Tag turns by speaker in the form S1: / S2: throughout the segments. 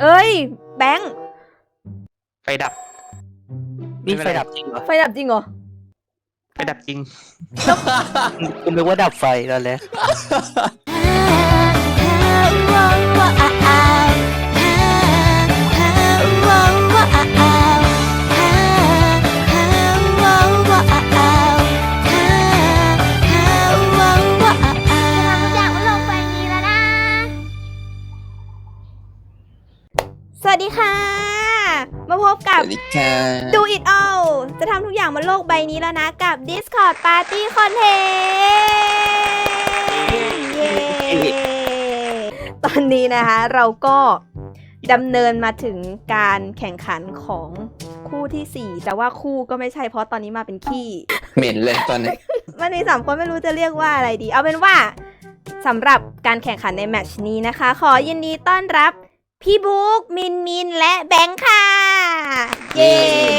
S1: เอ้ยแบงค์
S2: ไฟดับ
S3: นี่ไฟดับจริงเหรอ
S1: ไฟดับจริงเหรอ
S2: ไฟดับจริง
S3: คุณนึกว่าดับไฟตอนแรก
S1: สวัสดีค่ะ มาพบกับ
S4: สวัสดีค่ะ
S1: Do It All จะทำทุกอย่างบนโลกใบนี้แล้วนะกับ Discord Party Content เย้ตอนนี้นะคะเราก็ดำเนินมาถึงการแข่งขันของคู่ที่ 4 แต่ว่าคู่ก็ไม่ใช่เพราะตอนนี้มาเป็นขี้
S4: เหม็นเลยตอนนี้
S1: มันมี3คนไม่รู้จะเรียกว่าอะไรดี เอาเป็นว่าสำหรับการแข่งขันในแมตช์นี้นะคะ ขอยินดีต้อนรับพี่บุ๊กมินและแบงค์ค่ะเย้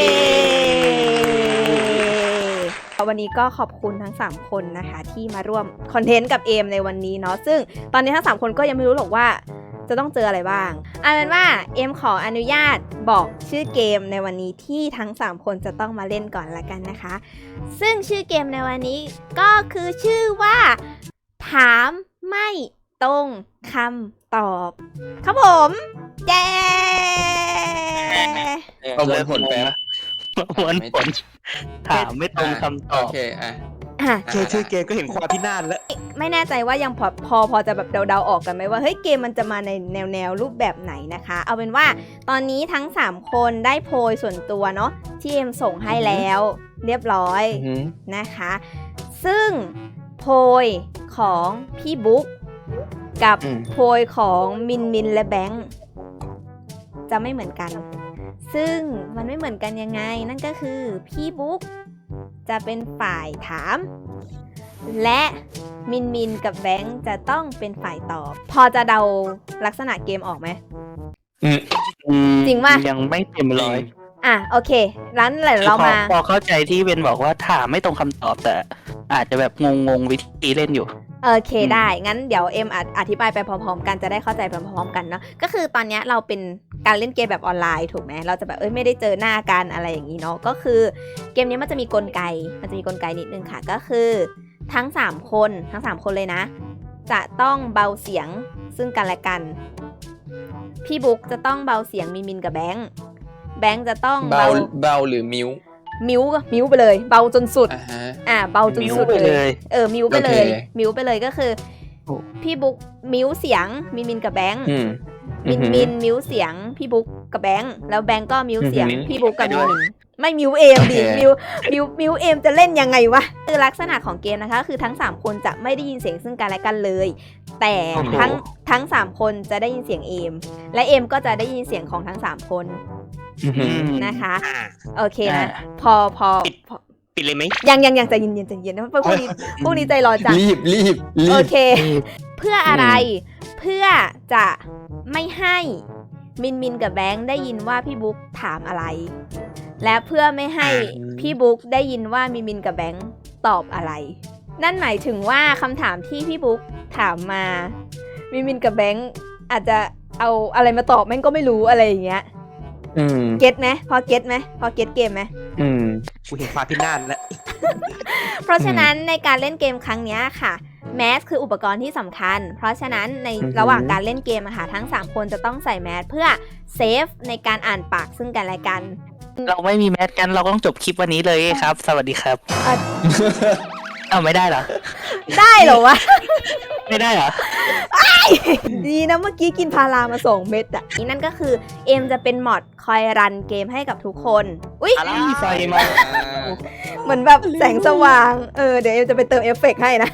S1: วันนี้ก็ขอบคุณทั้ง3คนนะคะที่มาร่วมคอนเทนต์กับเอมในวันนี้เนาะซึ่งตอนนี้ทั้ง3คนก็ยังไม่รู้หรอกว่าจะต้องเจออะไรบ้างเอาเป็นว่าเอมขออนุญาตบอกชื่อเกมในวันนี้ที่ทั้ง3คนจะต้องมาเล่นก่อนละกันนะคะซึ่งชื่อเกมในวันนี้ก็คือชื่อว่าถามไม่ตรงคำตอบครับผมเย้
S4: ประมวลผลไปนะ
S3: ประมวลผลถามไม่ตรงคำตอ
S4: โอบ เคอ่ะ
S2: แค่ชื่อเกมก็เห็นความพินาศแล้ว
S1: ไม่แน่ใจว่ายังพอจะแบบเดาๆออกกันไหมว่าเฮ้ยเกมมันจะมาในแนวรูปแบบไหนนะคะเอาเป็นว่าตอนนี้ทั้ง3คนได้โพยส่วนตัวเนาะที่เอ็มส่งให้แล้วเรียบร้อยนะคะซึ่งโพยของพี่บุ๊กกับโพยของมินและแบงค์จะไม่เหมือนกันซึ่งมันไม่เหมือนกันยังไงนั่นก็คือพี่บุ๊กจะเป็นฝ่ายถามและมินกับแบงค์จะต้องเป็นฝ่ายตอบพอจะเดาลักษณะเกมออกไหมจริงป่ะ
S3: ยังไม่เต็มร้อย
S1: อ่ะโอเคงั้นเรามา
S3: พอเข้าใจที่เบนบอกว่าถามไม่ตรงคำตอบแต่อาจจะแบบงงวิธีเล่นอยู่
S1: โอเคได้งั้นเดี๋ยวเอ็มอธิบายไปพร้อมๆกันจะได้เข้าใจไปพร้อมๆกันเนาะก็คือตอนนี้เราเป็นการเล่นเกมแบบออนไลน์ถูกไหมเราจะแบบไม่ได้เจอหน้ากันอะไรอย่างนี้เนาะก็คือเกมนี้มันจะมีกลไกนิดนึงค่ะก็คือทั้ง3คนเลยนะจะต้องเบาเสียงซึ่งกันและกันพี่บุ๊กจะต้องเบาเสียงมินกับแบงค์จะต้อง
S4: เบาหรือมิว
S1: มิวไปเลยเบาจนสุดเบาจนสุดเลยมิวไปเลยก็คือพี่บุ๊กมิวเสียงมินกับแบงค์มินมิวเสียงพี่บุ๊กกับแบงค์แล้วแบงค์ก็มิวเสียงพี่บุ๊กกับมินไม่มิวเอมดิมิวเอมจะเล่นยังไงวะคือลักษณะของเกมนะคะคือทั้ง3คนจะไม่ได้ยินเสียงซึ่งกันและกันเลยแต่ทั้ง3คนจะได้ยินเสียงเอมและเอมก็จะได้ยินเสียงของทั้ง3คนนะคะโอเคนะพอ
S2: ปิดเลยไหม
S1: ยังใจเย็นนะพวกนี้ใจร้อนจัง
S4: รีบ
S1: โอเคเพื่ออะไรเพื่อจะไม่ให้มินกับแบงค์ได้ยินว่าพี่บุ๊กถามอะไรและเพื่อไม่ให้พี่บุ๊กได้ยินว่ามินกับแบงค์ตอบอะไรนั่นหมายถึงว่าคำถามที่พี่บุ๊กถามมามินกับแบงค์อาจจะเอาอะไรมาตอบแม่งก็ไม่รู้อะไรอย่างเงี้ยเก็ตไหมพอเก็ตเกมไหม
S2: กูเห็นความพินาศแล้ว
S1: เพราะฉะนั้นในการเล่นเกมครั้งนี้ค่ะแมสคืออุปกรณ์ที่สำคัญเพราะฉะนั้นในระหว่างการเล่นเกมอะค่ะทั้ง3คนจะต้องใส่แมสเพื่อเซฟในการอ่านปากซึ่งกันและกัน
S3: เราไม่มีแมสกันเราต้องจบคลิปวันนี้เลยครับสวัสดีครับไม่ได้เหรอ
S1: ได้เหรอวะ
S3: ไม่ได้เหรอ
S1: ดีนะเมื่อกี้กินพารามา2 เม็ดอ่ะนี่นั่นก็คือเอ็มจะเป็นมอดคอยรันเกมให้กับทุกคนอุ๊ย
S3: ไฟมา
S1: เหมือนแบบแสงสว่างเดี๋ยวเอ็มจะไปเติมเอฟเฟกต์ให้นะ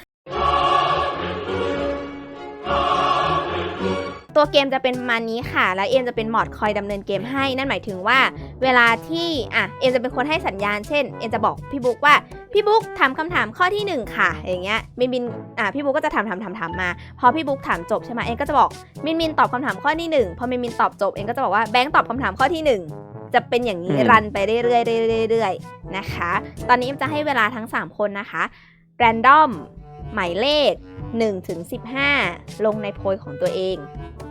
S1: ตัวเกมจะเป็นประมาณนี้ค่ะแล้วเอ็มจะเป็นมอดคอยดำเนินเกมให้นั่นหมายถึงว่าเวลาที่เอ็มจะเป็นคนให้สัญญาณเช่นเอ็มจะบอกพี่บุ๊กว่าพี่บุ๊กถามคำถามข้อที่1ค่ะอย่างเงี้ยมินพี่บุ๊กก็จะถามมาพอพี่บุ๊กถามจบใช่ไหมเอ็มก็จะบอกมินตอบคำถามข้อที่1พอมินตอบจบเอ็มก็จะบอกว่าแบงค์ตอบคำถามข้อที่1จะเป็นอย่างนี้รันไปเรื่อยๆนะคะตอนนี้เอ็มจะให้เวลาทั้ง3คนนะคะแรนดอมหมายเลข1 ถึง 15ลงในโพยของตัวเอง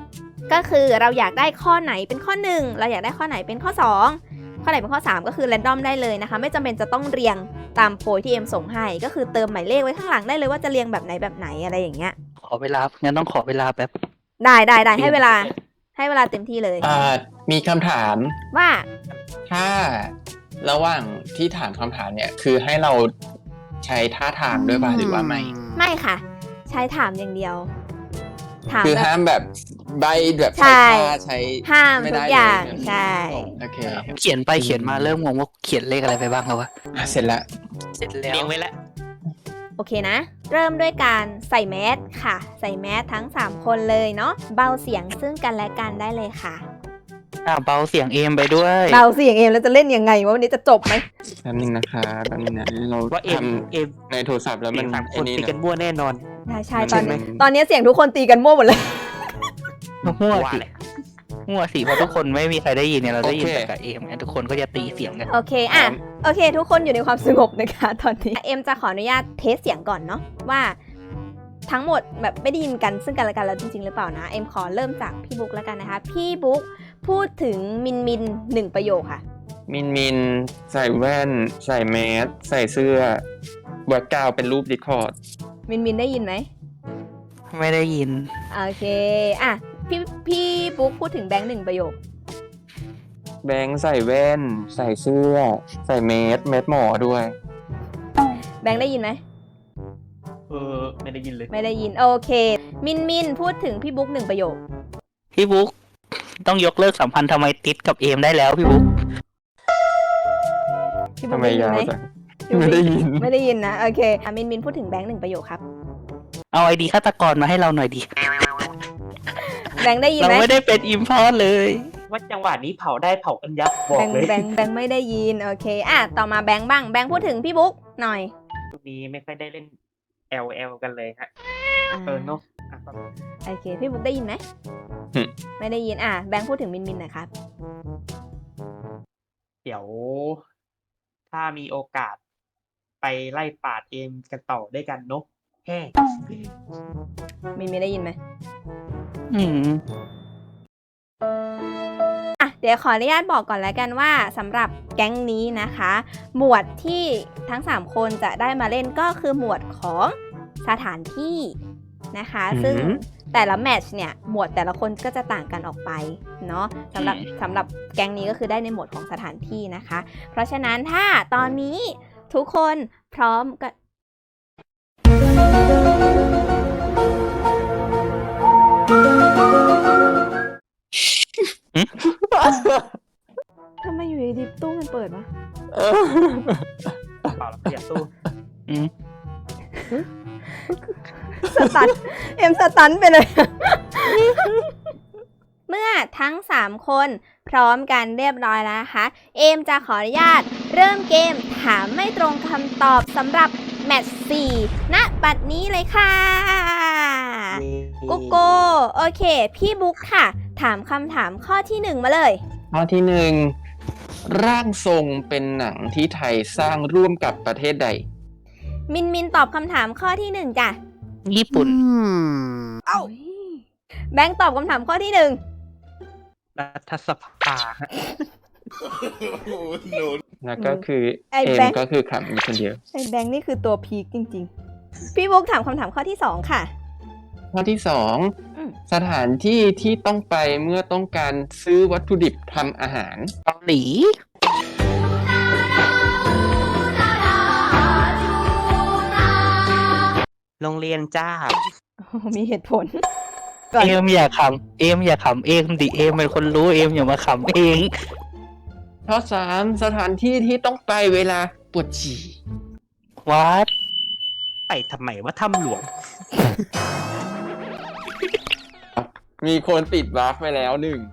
S1: ก็คือเราอยากได้ข้อไหนเป็นข้อ1เราอยากได้ข้อไหนเป็นข้อ2ข้อไหนเป็นข้อ3ก็คือแรนดอมได้เลยนะคะไม่จำเป็นจะต้องเรียงตามโพยที่เอ็มส่งให้ก็คือเติมหมายเลขไว้ข้างหลังได้เลยว่าจะเรียงแบบไหนอะไรอย่างเงี้ย
S3: ขอเวลางั้นต้องขอเวลาแป๊บ
S1: ได้ให้เวลาเต็มที่เลย
S4: มีคำถาม
S1: ว่า
S4: ถ้าระหว่างที่ถามคำถามเนี่ย คือให้เราใช้ท่าทางด้วยป่ะหรือว่าไม่
S1: ไม่ค่ะ ใช้ถามอย่างเดียวถาม
S4: คือ
S1: แบบ
S4: ห้ามแบบใบแบบ
S1: ใช่
S4: ใช้ท่าใช้
S1: ห้าม
S4: ไม่
S1: ทุ
S4: ได้
S1: กอย่าง
S4: เลย
S1: ใช่
S4: โอเค
S3: เขียนไปเขียนมาเริ่มงงว่าเขียนเลขอะไรไปบ้างแล้ววะ
S4: เสร็จแล้ว
S3: เสร็จแล้ว
S2: เลี้ยงไว้แล้ว
S1: โอเคนะ เริ่มด้วยการใส่แมสค่ะ ใส่แมสทั้ง3คนเลยเนาะเบาเสียงซึ่งกันและกันได้เลยค่ะ
S3: เบาเสียงเอมไปด้วย
S1: เบาเสียงเองแล้วจะเล่นยังไงวะวันนี้จะจบไหม
S4: แป๊บนึงนะคะแป๊บนึงนะเรา
S2: ว่าเอ็
S4: ท
S2: ม
S4: ำในโทรศัพท์แล้ว
S2: เอ็
S4: มัน
S2: มสามค
S4: ไอ้
S2: น
S4: นี่
S2: ตี
S4: นะ
S2: กันมั่วแน่นอน
S1: ใช่
S4: ใช่ไหม
S1: ตอนนี้เสียงทุกคนตีกันมั่วหมดเลย
S3: มั่ว
S2: ว่า
S3: สิ
S2: แหละ
S3: มั่วสิเพราะทุกคนไม่มีใครได้ยินเนี่ยเราได้ยินแต่กับเอมไงทุกคนก็จะตีเสียงกัน
S1: โอเคโอเค ทุกคนอยู่ในความสงบนะคะตอนนี้เอ็มจะขออนุญาตเทสเสียงก่อนเนาะว่าทั้งหมดแบบไม่ได้ยินกันซึ่งกันและกันแล้วจริงๆหรือเปล่านะเอ็มขอเริ่มจากพี่บุ๊กแล้วกันนะคะพี่บุ๊กพูดถึงมิน1ประโยคค่ะ
S4: มินใส่แว่น ใส่แมสใส่เสื้อแบ็คกราวด์เป็นรูปดิสคอร์ด
S1: มินได้ยินไหม
S3: ไม่ได้ยิน
S1: โอเคพี่บุ๊กพูดถึงแบงค์1ประโยค
S4: แบงค์ใส่แว่น ใส่เสื้อ ใส่แมสหมอด้วย
S1: แบงค์ได้ยินไหม
S2: ไม่ได้ยินเลย
S1: ไม่ได้ยินโอเคมินพูดถึงพี่บุ๊ก1ประโยค
S3: พี่บุ๊กต้องยกเลิกสัมพันธ์ทำไมติดกับเอมได้แล้วพี่บุ๊ก
S1: พี่บุ๊
S4: ทำ
S1: ก
S4: ไม
S1: ได้ยิน
S4: ยาว
S1: ไหม
S4: จังไม่ได้ยิน
S1: ไม่ได้ยินนะโอเคมินพูดถึงแบงค์1ประโยคครับ
S3: เอาไอดีฆาตกรมาให้เราหน่อยดิ
S1: แบงค์ได้ยิน
S3: เรา
S1: ไหม
S3: ไม่ได้เป็นอิมพอร์ตเลย
S2: ว่าจังหวะนี้เผาได้เผากันยับบอก
S1: แบงค์
S2: เลย
S1: แบงค์ไม่ได้ยินโอเคต่อมาแบงค์บ้างแบงค์พูดถึงพี่บุ๊กหน่อย
S2: ช่วงนี้ไม่ค่อยได้เล่น LL กันเลยฮะเนอะอ่ะ
S1: โอเคพี่บุ๊กได้ยินไหม
S4: หึ
S1: ไม่ได้ยินแบงค์พูดถึงมินหน่อยครับ
S2: เดี๋ยว ถ้ามีโอกาส ไปไล่ปาดเอมกันต่อด้วยกันเนอะแฮ่
S1: มินได้ยินไหม
S3: อืม
S1: เดี๋ยวขออนุญาตบอกก่อนแล้วกันว่าสำหรับแก๊งนี้นะคะ หมวดที่ทั้ง3คนจะได้มาเล่นก็คือหมวดของสถานที่นะคะ ซึ่งแต่ละแมตช์เนี่ยหมวดแต่ละคนก็จะต่างกันออกไปเนาะสำหรับแก๊งนี้ก็คือได้ในหมวดของสถานที่นะคะ เพราะฉะนั้นถ้าตอนนี้ทุกคนพร้อมกันทำไมอยู่ดีๆตู้มันเปิดวะ
S2: เปล่าแล้วอย่าสู้
S1: สตันเอ็มสตันไปเลย เมื่อทั้ง3คนพร้อมกันเรียบร้อยแล้วนะคะเอมจะขออนุญาตเริ่มเกมถามไม่ตรงคำตอบสำหรับแมตช์4ณบัดนี้เลยค่ะกุ๊กโกโอเคพี่บุ๊กค่ะถามคำถามข้อที่1มาเลย
S4: ข้อที่ 1 ร่างทรงเป็นหนังที่ไทยสร้างร่วมกับประเทศใด
S1: มินตอบคำถามข้อที่1จ้ะ
S3: ญี่ปุ่น
S1: แบงค์ตอบคำถามข้อที่1
S2: รัฐสภาฮะ
S4: แล้วก็คือ
S1: ไอ้
S4: เอ
S1: แบ
S4: ม
S1: งค์
S4: ก็คือขำมีคนเดียว
S1: ไอ้แบงค์นี่คือตัวพีคจริงๆ พี่บุ๊กถามคำถามข้อที่2ค่ะ
S4: ข้อที่
S1: อืม
S4: 2 สถานที่ที่ต้องไปเมื่อต้องการซื้อวัตถุดิบทำอาหาร
S3: เกาหลี
S2: โรงเรียนจ้า
S1: มีเหตุผล ก่อน
S3: เอมอย่าขำเองดิเอมเป็นคนรู้เอมอย่ามาขำเอง
S4: ข้อ 3 สถานที่ที่ต้องไปเวลาปวดฉี่
S3: วัด
S2: ไปทำไมว่าถ้ำหลวง
S4: มีคนติดวาร์ปไปแล้ว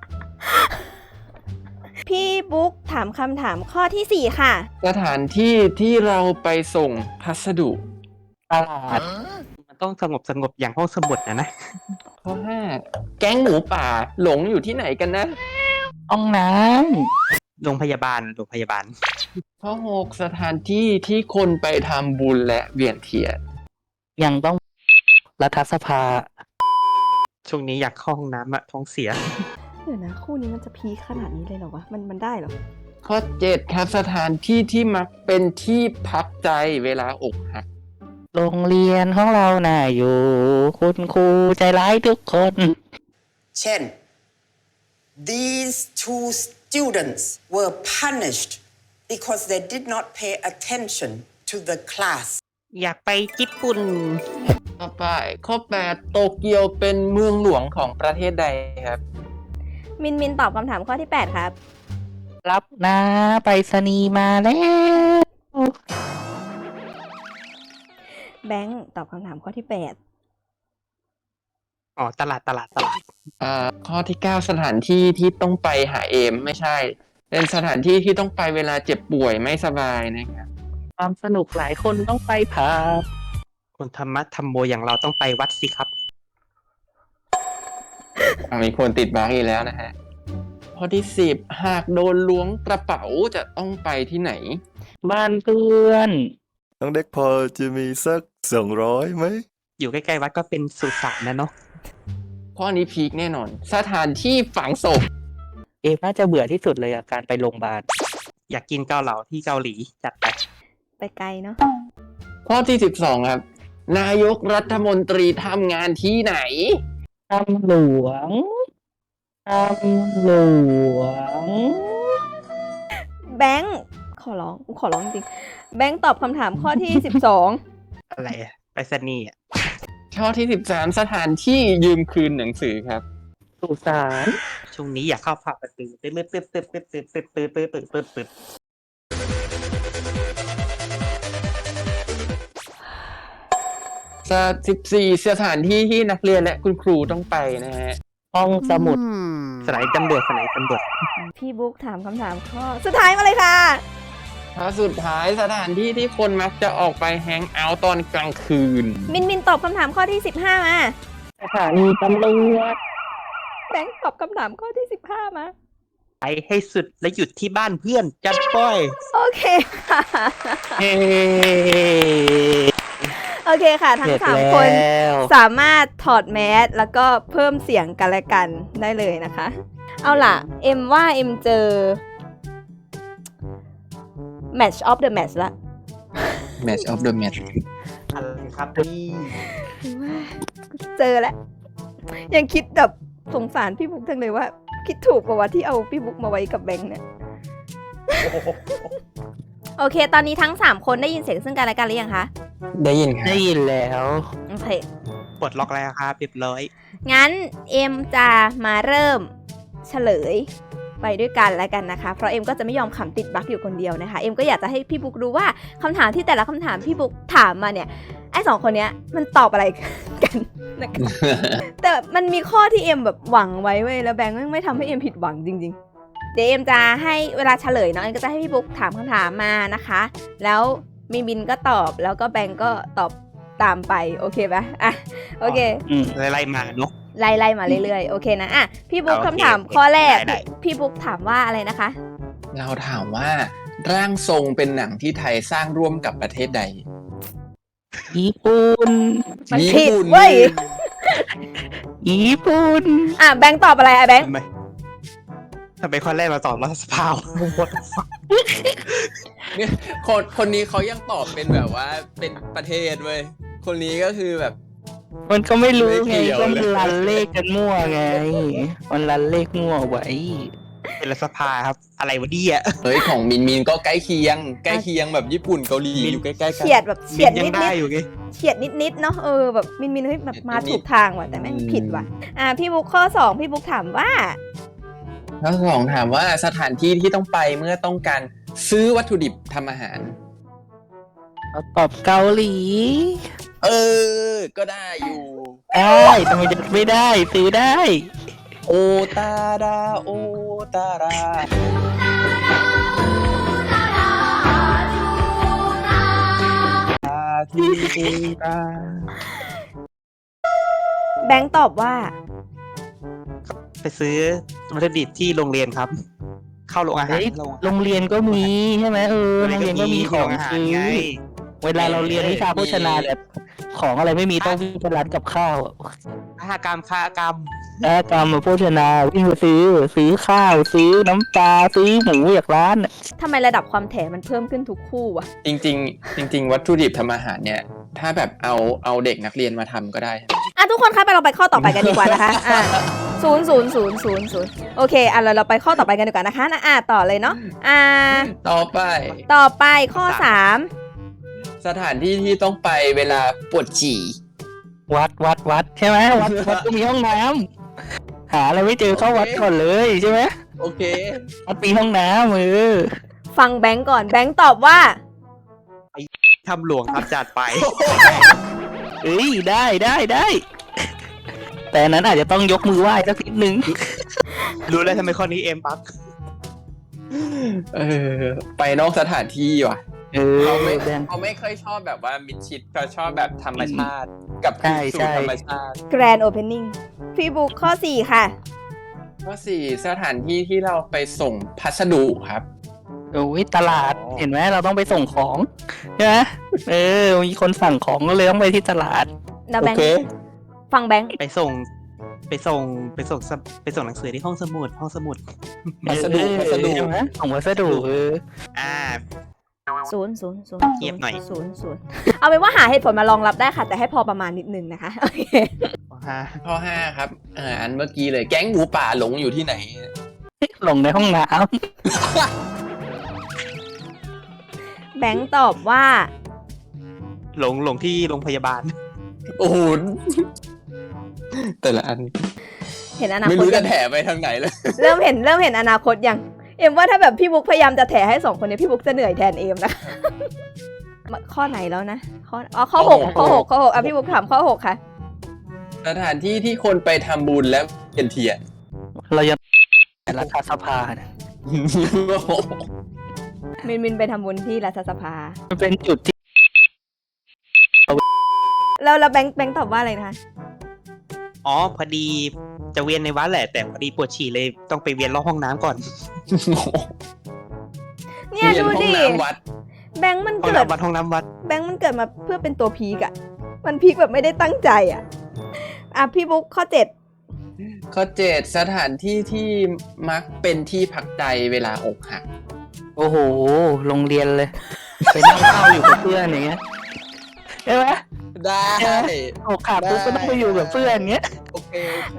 S1: พี่บุ๊กถามคำถามข้อที่4ค่ะ
S4: 1 สถานที่ที่เราไปส่งพัสดุ
S3: ตลาด
S2: มันต้องสงบอย่างห้องสมุดนะ
S4: ข้อ 5 แก๊งหมูป่าหลงอยู่ที่ไหนกันนะ
S3: ห้องน้
S2: โรงพยาบาล
S4: ข้อ 6 สถานที่ที่คนไปทำบุญและเวียนเทียน
S3: ำยังต้องรัฐสภา
S2: ช่วงนี้อยากเข้าห้องน้ำอะท้องเสีย
S1: เดี๋ยวนะคู่นี้มันจะพีคขนาดนี้เลยเหรอวะมันได้เหรอ
S4: ข้อ 7 ครับสถานที่ที่มักเป็นที่พักใจเวลาอกหัก
S3: โรงเรียนของเราน่าอยู่ คุณครูใจร้ายทุกคน
S5: เช่น these two students were punished because they did not pay attention to the class
S2: อยากไปญี่ปุ่น
S4: ต่อไปข้อ 8 โตเกียวเป็นเมืองหลวงของประเทศใดครับ
S1: มินตอบคำถามข้อที่ 8 ครับ
S3: รับนะไปรษณีย์มาแล้ว
S1: แบงค์ตอบคำถามข้อที่
S2: อ๋อตลาด
S4: ข้อที่ 9 สถานที่ที่ต้องไปหาเอมไม่ใช่ เป็นสถานที่ที่ต้องไปเวลาเจ็บป่วยไม่สบายนะครับ
S3: ความสนุกหลายคนต้องไปผับ
S2: คนธรรมะธรรมโมอย่างเราต้องไปวัดสิครับ
S4: มีคนติดบั๊กอีกแล้วนะฮะ ข้อที่ 10 หากโดนล้วงกระเป๋าจะต้องไปที่ไหน
S3: บ้านเพื่อน
S6: น้องเด็กพอจะมีสัก200ไหม
S2: อยู่ใกล้ๆวัดก็เป็นสุสานนะเนาะ
S4: ข้อนี้พีคแน่นอน สถานที่ฝังศพ
S3: เอมน่าจะเบื่อที่สุดเลยอะการไปโรงพยาบาล
S2: อยากกินเกาเหลาที่เกาหลีจัดไป
S1: 8 ไปไกลเนาะ
S4: ข้อที่ 12 ครับ นายกรัฐมนตรีทำงานที่ไหน
S3: ตำหลวง ตำหลวง
S1: แบงค์ขอร้องจริงๆแบงค์ตอบคำถามข้อที่ 12
S2: อะไรอะไปสนีย์อะ
S4: ข้อที่ 13 สถานที่ยืมคืนหนังสือครับ
S3: สุสาน
S2: ช่วงนี้อยากเข้าผับประตูตึ๊ด
S4: 14 สถานที่ที่นักเรียนและคุณครูต้องไปนะฮะ
S3: ห้องสมุด
S2: สไนตำรวจ
S1: พี่บุ๊กถามคำถามข้อสุดท้ายมาเลยค่ะ
S4: ข้อสุดท้ายสถานที่ที่คนมักจะออกไปแฮงเอาท์ตอนกลางคืน
S1: มินตอบคำถามข้อที่ 15 มา
S3: สถานีตำรวจ
S1: แบงค์ตอบคำถามข้อที่ 15 มา
S2: ไปให้สุดและหยุดที่บ้านเพื่อนจัดป้อย
S1: โอเคค่ะ
S3: เฮ้
S1: โอเคค่ะ ทั้
S3: เสร็
S1: ง
S3: จ
S1: 3
S3: แล้
S1: คน
S3: ว
S1: สามารถถอดแมสแล้วก็เพิ่มเสียงกันและกันได้เลยนะคะ เอาล่ะ เอ็มว่าเอ็มเจอ Match of the Match ละ
S4: Match of the Match
S2: อะไรครับพี่
S1: เจอแล้ว ยังคิดแบบสงสารพี่บุ๊กจังเลยว่า คิดถูกกว่าที่เอาพี่บุ๊กมาไว้กับแบงค์เนี่ย โอเค ตอนนี้ทั้ง 3 คนได้ยินเสียงซึ่งกันและกันหรือยังคะ
S4: ได้ยินครับ
S3: ได้ยินแล้ว
S1: โอเค
S2: ปลดล็อกแล้วครับเรียบร้อย
S1: งั้นเอ็มจะมาเริ่มเฉลยไปด้วยกันแล้วกันนะคะ เพราะเอ็มก็จะไม่ยอมขำติดบั๊กอยู่คนเดียวนะคะ เอ็มก็อยากจะให้พี่บุ๊กรู้ว่าคำถามที่แต่ละคำถามพี่บุ๊กถามมาเนี่ย ไอ้2 คนเนี้ยมันตอบอะไรกันนะคะ แต่มันมีข้อที่เอ็มแบบหวังไว้เว้ยแล้วแบงค์ไม่ทำให้เอ็มผิดหวังจริงๆ เดี๋ยวเอ็มจะให้เวลาเฉลยเนาะเอ็มก็จะให้พี่บุ๊กถามคำถามมานะคะ แล้วมีบินก็ตอบแล้วก็แบงค์ก็ตอบตามไปโอเคปะอ่ะโอเค
S2: ไล่ๆมาเนาะ
S1: ไล่มาเรื่อยๆ โอเคนะอ่ะพี่บุ๊ก
S2: โอเค
S1: คำถามข้อแรก
S2: ได้
S1: พี่บุ๊กถามว่าอะไรนะคะ
S4: เราถามว่า ร่างทรงเป็นหนังที่ไทยสร้างร่วมกับประเทศใด
S3: ญี่ปุ่น
S1: มัน
S4: ญี่
S1: ผิด
S4: ปุ่น
S1: เว้ย
S3: ญี่ปุ่น
S1: อ่ะแบงค์ตอบอะไรอ่ะแบงค์
S2: ทำไมข้อแรกเราตอบรัฐสภา
S4: เนี่ยคนนี้เขายังตอบเป็นแบบว่าเป็นประเทศเว้ย คนนี้ก็คือแบบ
S3: มันก็ไม่รู้
S4: ไม่
S3: ไง
S4: เกี่ยว
S3: ก็
S4: เลย
S3: มันรันเลขกันมั่วไง มันรันเลขมั่วไว้
S2: เป็นรัฐสภาครับ อะไรวะเนี่ย
S4: เฮ้ยของมินก็ใกล้เคียงแบบญี่ปุ่นเกาหลีอยู่ใกล้ๆกัน
S1: เฉียดแบบเฉียด
S2: ยั
S1: นิ
S2: ง
S1: ด
S2: ได้
S1: ๆ
S2: อยู่ไง
S1: เฉียดนิดๆเนาะแบบมินเฮ้ยแบบมา
S4: นิดๆ
S1: ถูกทางว่ะแต่แม่งผิดว่ะอ่ะพี่บุ๊กข้อ 2 พี่บุ๊กถามว่า
S4: ข้อสองถามว่าสถานที่ที่ต้องไปเมื่อต้องการซื้อวัตถุดิบทำอาหาร
S3: เอาตอบเกาหลี
S4: ก็ได้อยู่
S3: ได้ทำไมจะไม่ได้ซื้อได้
S4: โอตาดาโอตารา ที่ตา
S1: แบงค์ตอบว่า
S2: ไปซื้อวัตถุดิบที่โรงเรียนครับ เข้าโรงอาหาร
S3: เฮ้ยโรงเรียนก็มีใช่ไหมโรงเรียนก็มีของซื้อ
S2: ไง
S3: เวลาเราเรียนวิชาโภชนาแบบของอะไรไม่มีต้องวิ่งไปร้านกับข้าวอะ
S2: ฆากรรมฆากรรม
S3: กรรมโภชนาวิ่งไปซื้อข้าวซื้อน้ำปลาซื้อหมูจากร้านอะ
S1: ทำไมระดับความแถมันเพิ่มขึ้นทุกคู่วะ
S4: จริง ๆ วัตถุดิบทำอาหารเนี่ย ถ้าแบบเอาเด็กนักเรียนมาทำก็ได้
S1: อ่ะทุกคนคะเราไปข้อต่อไปกันดีกว่านะคะอ่ะศูนย์โอเคอ่ะเราไปข้อต่อไปกันดีกว่านะคะต่อเลยเนาะ
S4: ต่อไป
S1: ข้อ 3
S4: สถานที่ที่ต้องไปเวลาปวดฉี่
S3: วัดใช่ไหมวัดก็มีห้องน้ำหาอะไรไม่เจอเข้าวัดก่อนเลยใช่ไหม
S4: โอเค
S3: วัดมีห้องน้ำ
S1: ฟังแบงก์ก่อนแบงก์ตอบว่า
S2: ทำหลวงครับจัดไป
S3: เอ้ยได้ แต่อันนั้นอาจจะต้องยกมือไหว้สักนิดนึง
S2: รู้แล้วทำไมข้อนี้เอ็มปั๊บ
S4: ไปนอกสถานที่ว่ะ เขาไม่
S3: แบง
S4: เขาไม่ค่อยชอบแบบว่ามิดชิดเขาชอบแบบธรรมชาติ กับคืนสู่ธรรมชาติ
S1: Grand Opening พี่บุ๊กข้อ 4 ค่ะ
S4: ข้อ 4 สถานที่ที่เราไปส่งพัสดุครับ
S3: โอ้ยตลาดเห็นไหมเราต้องไปส่งของใช่ไหมมีคนสั่งของก็เลยต้องไปที่ตลาด
S1: แล้วแบง
S4: โอเค
S1: ค์ฟังแบงค์
S2: ไปส่งหนังสือที่ห้องสมุด
S4: พัสดุ
S3: ใช่ไหมส่งพัสดุ
S1: ศูนย์
S2: เงียบหน่อย
S1: เอาเป็นว่าหาเหตุผลมารองรับได้ค่ะ แต่ให้พอประมาณนิดนึงนะคะโอเค
S4: ข้อ 5 ครับอันเมื่อกี้เลยแก๊งหมูป่าหลงอยู่ที่ไหน
S3: ลงในห้องน้
S1: แบงค์ตอบว่า
S2: หลงที่โรงพยาบาล
S4: โอ้โหแต่ละอัน
S1: เห็นอนาคต
S4: ไม่รู้จะแถไปทางไหนเลย
S1: เริ่มเห็นอนาคตยังเอ็มว่าถ้าแบบพี่บุ๊กพยายามจะแถให้2คนนี้พี่บุ๊กจะเหนื่อยแทนเอ็มนะคะ ข้อไหนแล้วนะข้อ 6อ่ะพี่บุ๊กถามข้อ 6 ค่ะ
S4: สถานที่ที่คนไปทำบุญและเทียน
S3: ำเรายังรัฐสภาเนี่ย
S1: มินไปทำบุญที่รัฐสภา
S3: มันเป็นจุดที่
S1: แล้วแบงค์ตอบว่าอะไรนะคะ
S2: อ๋อพอดีจะเวียนในวัดแหละ แต่พอดีปวดฉี่เลยต้องไปเวียนรอบห้องน้ำก่อน
S1: เนี่ยดูดิ
S4: ห้องน้ำวัด
S1: แบงค์มัน
S2: ห้อง
S1: เกิด
S2: น้ำวัดห้องน้ำวัด
S1: แบงค์มันเกิดมาเพื่อเป็นตัวพีกอะมันพีกแบบไม่ได้ตั้งใจอะพี่บุ๊กข้อ 7
S4: ข้อ 7 สถานที่ที่มักเป็นที่พักใจเวลาอกหัก
S3: โอ้โหโรงเรียนเลย ไปนั่งข้าวอยู่กับเพื่อนอย่างเงี้ยใช่ไหม
S4: ได้
S3: อกขาดปุ๊บก็ต้องไปอยู่กับเพื่อนเงี้ย
S4: โอเค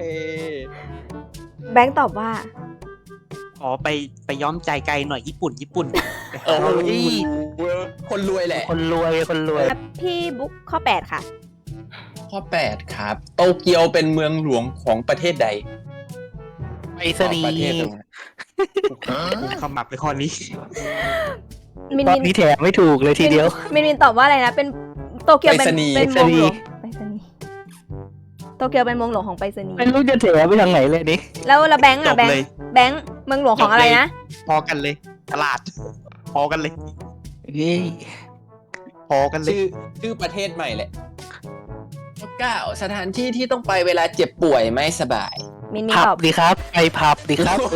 S1: แบงค์ตอบว่า
S2: อ๋อไปย้อมใจไกลหน่อยญี่ปุ่น
S4: โอ้ยคนรวยแหละ
S3: คนรวย
S1: พี่บุ๊กข้อ 8 ค่ะ
S4: ข้อ 8 ครับ โตเกียวเป็นเมืองหลวงของประเทศใด
S3: ไปสนี
S4: ประเทศ
S3: ย์
S4: ตรงนั้น
S2: กูขมับไปข้อนี้
S1: มิน
S3: ตอนนี้แถมไม่ถูกเลยทีเดียว
S1: มินตอบว่าอะไรนะเป็นโตเกียวเป็นเมืองหลวงไปรษณีย์โตเกียวเป็นเมืองหลวงของไปรษณีย์
S3: ไม่รู้จะแถมไปทางไหนเลยนี่
S1: แล้วแบงค์
S2: จ
S1: อะ
S2: บ
S1: แบง
S2: เลย
S1: ค์เมืองหลวงของอะไรนะ
S2: พอกันเลย ตลาด พอกันเลย
S3: เฮ้ย
S2: พอกันเลย
S4: ชื่อประเทศใหม่แหละข้อ 9 สถานที่ที่ต้องไปเวลาเจ็บป่วยไม่สบาย
S1: มิน
S3: ผั
S1: ต
S3: บ
S1: อบ
S3: ดีครับไปผับดีครับ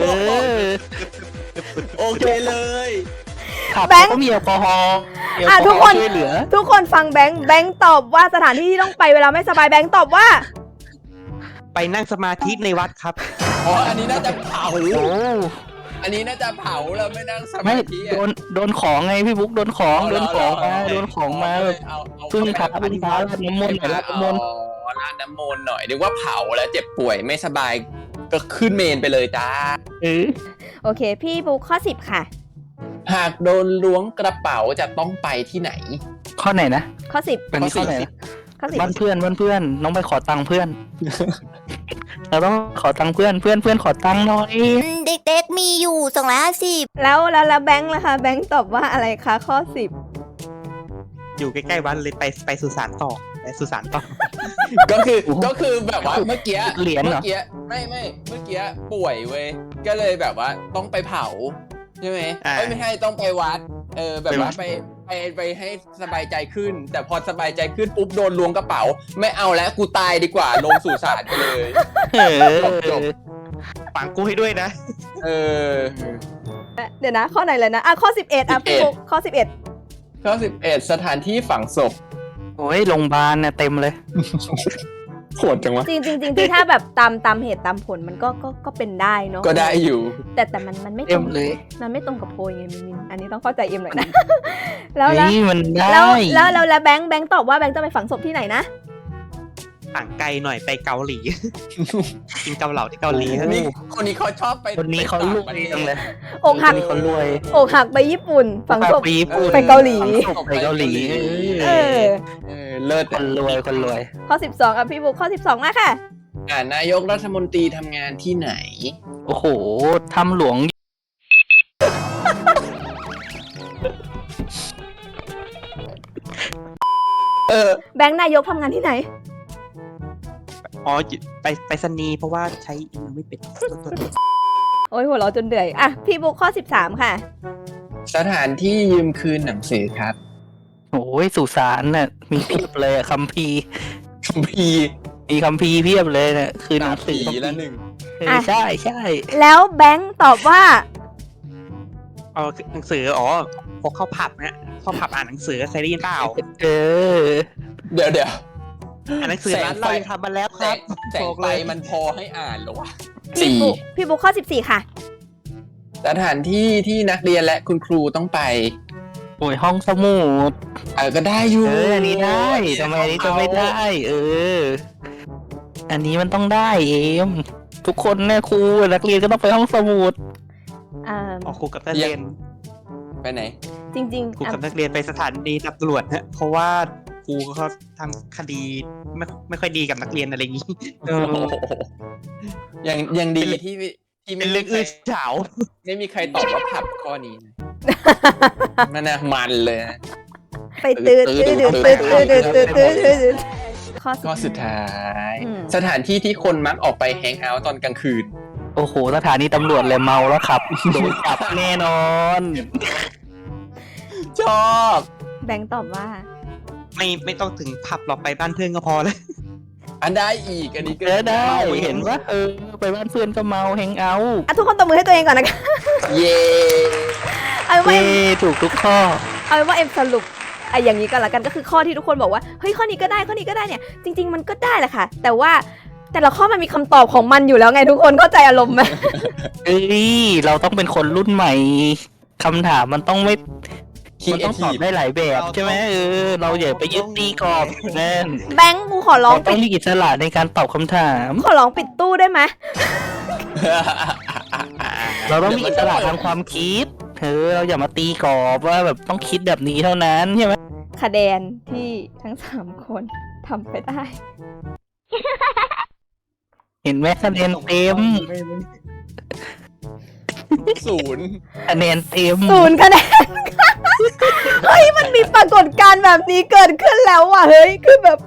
S4: โอเคเลย
S3: ผับก็มีแอลกอฮอล์
S1: ทุกคน
S3: ช่วยเหลือ
S1: ทุกคนฟังแบงค์ตอบว่าสถานที่ที่ต้องไปเวลาไม่สบายแบงค์ตอบว่า
S2: ไปนั่งสมาธิในวัดครับ
S4: อ๋ออันนี้น่าจะเผา
S3: โอ้
S4: อันนี้น่าจะเผาเราไม่นั่งส
S3: ไม่
S4: มาธิ
S3: โดนของไงพี่บุ๊กโดนของมาแบบพึ่งพาราดน้ำมนต์หน่อยราดน้ำมนต์
S4: ราดน้ำมนต์หน่อยเรียกว่าเผาแล้วเจ็บป่วยไม่สบายก็ขึ้นเมนไปเลยจ้า
S1: โอเค พี่บุ๊กข้อ 10 ค่ะ
S4: หากโดนล้วงกระเป๋าจะต้องไปที่ไหน
S3: ข้อไหนนะ
S1: ข้อ 10
S3: เป็นข้อไหนนะ
S1: ข้อ
S3: บ้านเพื่อนน้องไปขอตังค์เพื่อน เราต้องขอตังค์เพื่อนขอตังค์หน่อย
S7: เด็กๆมีอยู่250
S1: แล้วแบงค์ล่ะคะแบงค์ตอบว่าอะไรคะข้อ
S2: อยู่ใกล้ๆวัดเลยไปสุสานต่อ
S4: ก็คือแบบว่าเมื่อกี้
S3: เหรียญเหรอ
S4: ไม่เมื่อกี้ป่วยเว้ยก็เลยแบบว่าต้องไปเผาใช่ไหมไม่ใช่ต้องไปวัดแบบว่าไปให้สบายใจขึ้น แต่พอสบายใจขึ้นปุ๊บโดนล้วงกระเป๋าไม่เอาแล้วกูตายดีกว่าลงสู่ศาลไปเลยจบ
S2: ฝังกูให้ด้วยนะ
S1: 10 เดี๋ยวนะ ข้อไหนเลยนะข้อ 11พี่บุ๊กข้อ 11
S4: ข้อ 11 สถานที่ฝังศพ
S3: โอ้ยโรงพยาบาลเนี่ยเต็มเลย
S4: โหดจังวะ
S1: จริงๆถ้าแบบตามเหตุตามผลมันก็เป็นได้เนาะ
S4: ก็ได้อยู่
S1: แต่มันไม่ต
S3: เต็
S1: ร
S3: ม
S1: ง
S3: เลย
S1: มันไม่ตรงกับโพยไงมินอันนี้ต้องเข้าใจเอ็มหน่อยนะ แล้ว
S3: เฮ้ยมันได้
S1: แล้วแบงค์ตอบว่าแบงค์จะไปฝังศพที่ไหนนะ
S2: ต่างไกลหน่อยไปเกาหลี กินเกาเหลาที่เกาหลี
S4: นี่คนนี้เขาชอบไป
S3: คนนี้เขารวยจังเลย
S1: อกหัก
S3: คนนี้เขารวย
S1: อกหักไปญี่ปุ่นฝังศพ
S3: ไปญี่ปุ่น
S1: ไปเกาหลี
S3: ฝังศพไปเกาหลี
S1: เออ
S4: เลิศ
S3: คนรวยคนรวย
S1: ข้อ 12อ่ะพี่บุ๊คข้อ 12มาค่ะ
S4: นายกรัฐมนตรีทำงานที่ไหน
S3: โอ้โหถ้ำหลวง
S1: แบงค์นายกทำงานที่ไหน
S2: อ๋อไปสนีย์เพราะว่าใช้อีเมลไม่เป็น
S1: โอ้ยหัวเราะจนเดือยอ่ะพี่บุ๊คข้อ 13 ค่ะ
S4: สถานที่ยืมคืนหนังสือครับ
S3: โอ้ยสุสานน่ะมีเพียบเลยอะคัมภีร์
S4: คัมภีร์
S3: มีคัมภีร์เพียบเลยเนี่ยคือหนังสือ
S4: ผีละหนึ่ง
S3: ใช่ใช่
S1: แล้วแบงค์ตอบว่า
S2: เอาหนังสืออ๋อพกเข้าผับนะเข้าผับอ่านหนังสือเคยได้ยินเปล่า
S3: เออ
S4: เดี๋ยว
S2: อ่านหนังสือร้านเรายังทำมาแล้วครับ
S4: แสงไฟมันพอให้อ่านเหรอวะ
S1: พี่บุ๊คข้อ 14 ค่ะ
S4: สถานที่ที่นักเรียนและคุณครูต้องไป
S3: โอ้ยห้องสมุด
S4: ก็ได้อยู่
S3: อันนี้ได้ทำไมอันนี้จะไม่ได้ เออ อันนี้มันต้องได้เอมทุกคนเนี่ยครูนักเรียนก็ต้องไปห้องสมุด
S1: อ่า
S2: อ๋อครูกับนักเรียน
S4: ไปไหน
S1: จริง
S2: ครูกับนักเรียนไปสถานีตำรวจฮะเพราะว่าครูเขาทำคดีไม่ค่อยดีกับนักเรียนอะไรอย่างนี้
S3: เออ
S4: ยังดีที่
S2: เป็
S4: ไม่
S2: นเรื่อง
S4: มี
S2: อื้อ
S4: ใคร
S2: ฉาว
S4: ไม่มีใครตอบว่าผับข้อนี้นะมันน่ะมันเลยนะ
S1: ไปตื่นข้อ
S4: ข้อสุดท้าย
S1: อืม
S4: สถานที่ที่คนมักออกไปแฮงเอาท์ตอนกลางคืน
S3: โอ้โหสถานีตำรวจเลยเมาแล้วครับโดนจับแน่นอน
S4: ชอบ
S1: แบงค์ตอบว่า
S2: ไม่ต้องถึงผับหรอกไปบ้านเพื่อนก็พอแล้ว
S4: อันได้อีกอันนี้ก็
S3: ได้เห็นว่าไปบ้านเพื่อนก็เมาแฮงเอาท์
S1: ทุกคนตบมือให้ตัวเองก่อนนะคะ
S4: เย่
S1: เอาเป็นว่า
S3: เย้ถูกทุกข้อ
S1: เอาเป็นว่าเอ็มสรุปอย่างนี้ก็แล้วกันก็คือข้อที่ทุกคนบอกว่าเฮ้ยข้อนี้ก็ได้ข้อนี้ก็ได้เนี่ยจริงๆมันก็ได้แหละค่ะ แต่ว่าแต่ละข้อมันมีคำตอบของมันอยู่แล้วไงทุกคนเข้าใจอารมณ์ไหม
S3: เอ้ยเราต้องเป็นคนรุ่นใหม่คำถามมันต้องไม่ มันต้องตอบได้หลายแบบใช่ไหมเราอย่าไปยึดตีกรอบนั่น
S1: แบงค์กูขอร้อง
S3: เราต้
S1: ปิ
S3: อง
S1: ด
S3: มีอิสระในการตอบคำถาม
S1: ขอร้องปิดตู้ได้ไหม
S3: เราต้องมีอิสระทางความคิดเราอย่ามาตีกรอบว่าแบบต้องคิดแบบนี้เท่านั้นใช่ไหม
S1: คะแนนที่ทั้ง3คนทำไปได้
S3: เห็นไหมคะแนนเต็ม
S4: 0
S3: คะแนนเต็ม
S1: 0 คะแนน เฮ้ยมันมีปรากฏการณ์แบบนี้เกิดขึ้นแล้วว่ะเฮ้ยคือแบบ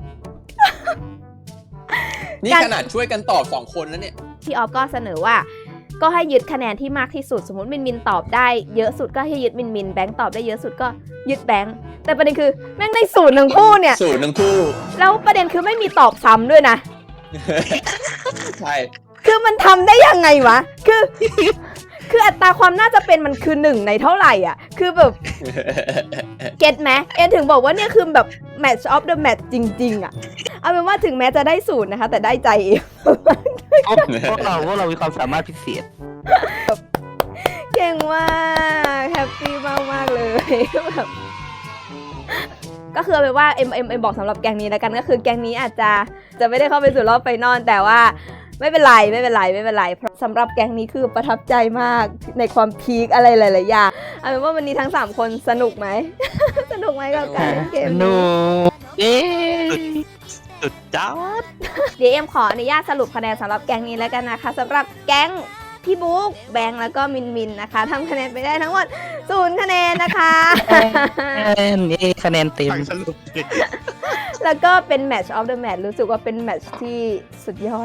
S4: นี่ขนาดช่วยกันตอบ2คนแล้วเนี่ย
S1: พี่ออฟก็เสนอว่า ก็ให้ยึดคะแนนที่มากที่สุดสมมติมินตอบได้เยอะสุดก็ให้ยึดมินแบงค์ตอบได้เยอะสุดก็ยึดแบงค์แต่ประเด็นคือแม่งได้0ทั้งคู่เนี่ย
S4: 0ทั้งคู่
S1: แล้วประเด็นคือไม่มีตอบซ้ำด้วยนะ
S4: ใช่
S1: คือมันทำได้ยังไงวะ คืออัตราความน่าจะเป็นมันคือ1ในเท่าไหร่อ่ะ คือแบบ เก็ตไหมเอ็นถึงบอกว่าเนี่ยคือแบบ match of the match จริงๆอ่ะ เอาเป็นว่าถึงแม้จะได้0นะคะ แต่ได้ใจเอง
S3: พวกเรามีความสามารถพิเศษ
S1: เก่งมากแฮปปี้มากๆเลยแบบก็คือเอาเป็นว่าเอ็มบอกสำหรับแกงนี้แล้วกันก็คือแกงนี้อาจจะไม่ได้เข้าไปสู่รอบไฟนอลแต่ว่าไม่เป็นไรเพราะสำหรับแกงนี้คือประทับใจมากในความพีคอะไรหลายๆอย่างเอาเป็นว่าวันนี้ทั้ง3คนสนุกไหม สนุกไหมกับการเล่นเกม
S3: สนุ
S1: นี้
S3: กเย้
S2: สุดจ้า
S1: เดี๋ยวเอ็มขออนุญาตสรุปคะแนนสำหรับแกงนี้แล้วกันนะคะสำหรับแก๊งพี่บุ๊กแบงค์แล้วก็มินนะคะทำคะแนนไปได้ทั้งหมด0 คะแนนนะคะ
S3: นี่คะแนนเต็ม
S2: สรุป
S1: แล้วก็เป็น match of the match รู้สึกว่าเป็นแมตช์ที่สุดยอด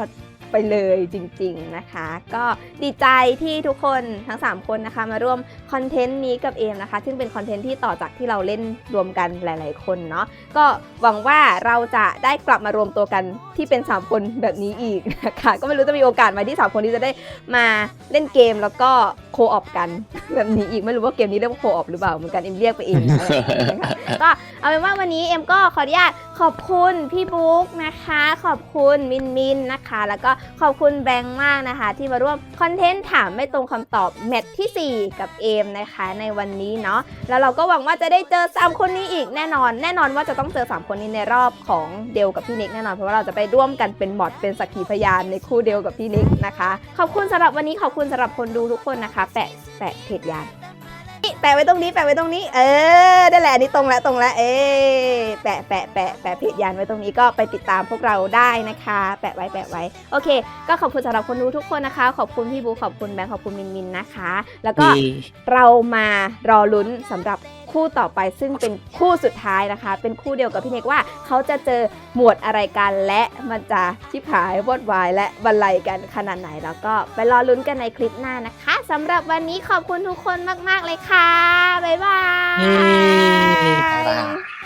S1: ไปเลยจริงๆนะคะ ก็ดีใจที่ทุกคนทั้ง3คนนะคะมาร่วมคอนเทนต์นี้กับเอมนะคะซึ่งเป็นคอนเทนต์ที่ต่อจากที่เราเล่นรวมกันหลายๆคนเนาะก็หวังว่าเราจะได้กลับมารวมตัวกันที่เป็น3คนแบบนี้อีกนะคะก็ไม่รู้จะมีโอกาสไหมที่3คนนี้จะได้มาเล่นเกมแล้วก็โคออปกัน แบบนี้อีกไม่รู้ว่าเกมนี้เรียกว่าโคออปหรือเปล่าเหมือนกันเอ็มเรียกไปเองนะคะก็เอาเป็นว่าวันนี้เอ็มก็ขออนุญาตขอบคุณพี่บุ๊กนะคะขอบคุณมินนะคะแล้วก็ขอบคุณแบงค์มากนะคะที่มาร่วมคอนเทนต์ถามไม่ตรงคำตอบแมตช์ที่ 4 กับเอมนะคะในวันนี้เนาะแล้วเราก็หวังว่าจะได้เจอ3คนนี้อีกแน่นอนว่าจะต้องเจอ3คนนี้ในรอบของเดลกับพี่นิกแน่นอนเพราะว่าเราจะไปร่วมกันเป็นมอดเป็นสักขีพยานในคู่เดลกับพี่นิกนะคะขอบคุณสำหรับวันนี้ขอบคุณสำหรับคนดูทุกคนนะคะแปะเพจยานแปะไว้ตรงนี้ได้แหละนี่ตรงแล้วแปะเพจยานไว้ตรงนี้ก็ไปติดตามพวกเราได้นะคะแปะไว้โอเคก็ขอบคุณสำหรับคนดูทุกคนนะคะขอบคุณพี่บูขอบคุณแบงค์ขอบคุณมินนะคะแล้วก็เรามารอลุ้นสำหรับคู่ต่อไปซึ่งเป็นคู่สุดท้ายนะคะเป็นคู่เดียวกับพี่เนกว่าเขาจะเจอหมวดอะไรกันและมันจะชิบหายวอดวายและบรรลัยกันขนาดไหนแล้วก็ไปรอลุ้นกันในคลิปหน้านะคะสำหรับวันนี้ขอบคุณทุกคนมากๆเลยค่ะบ๊ายบาย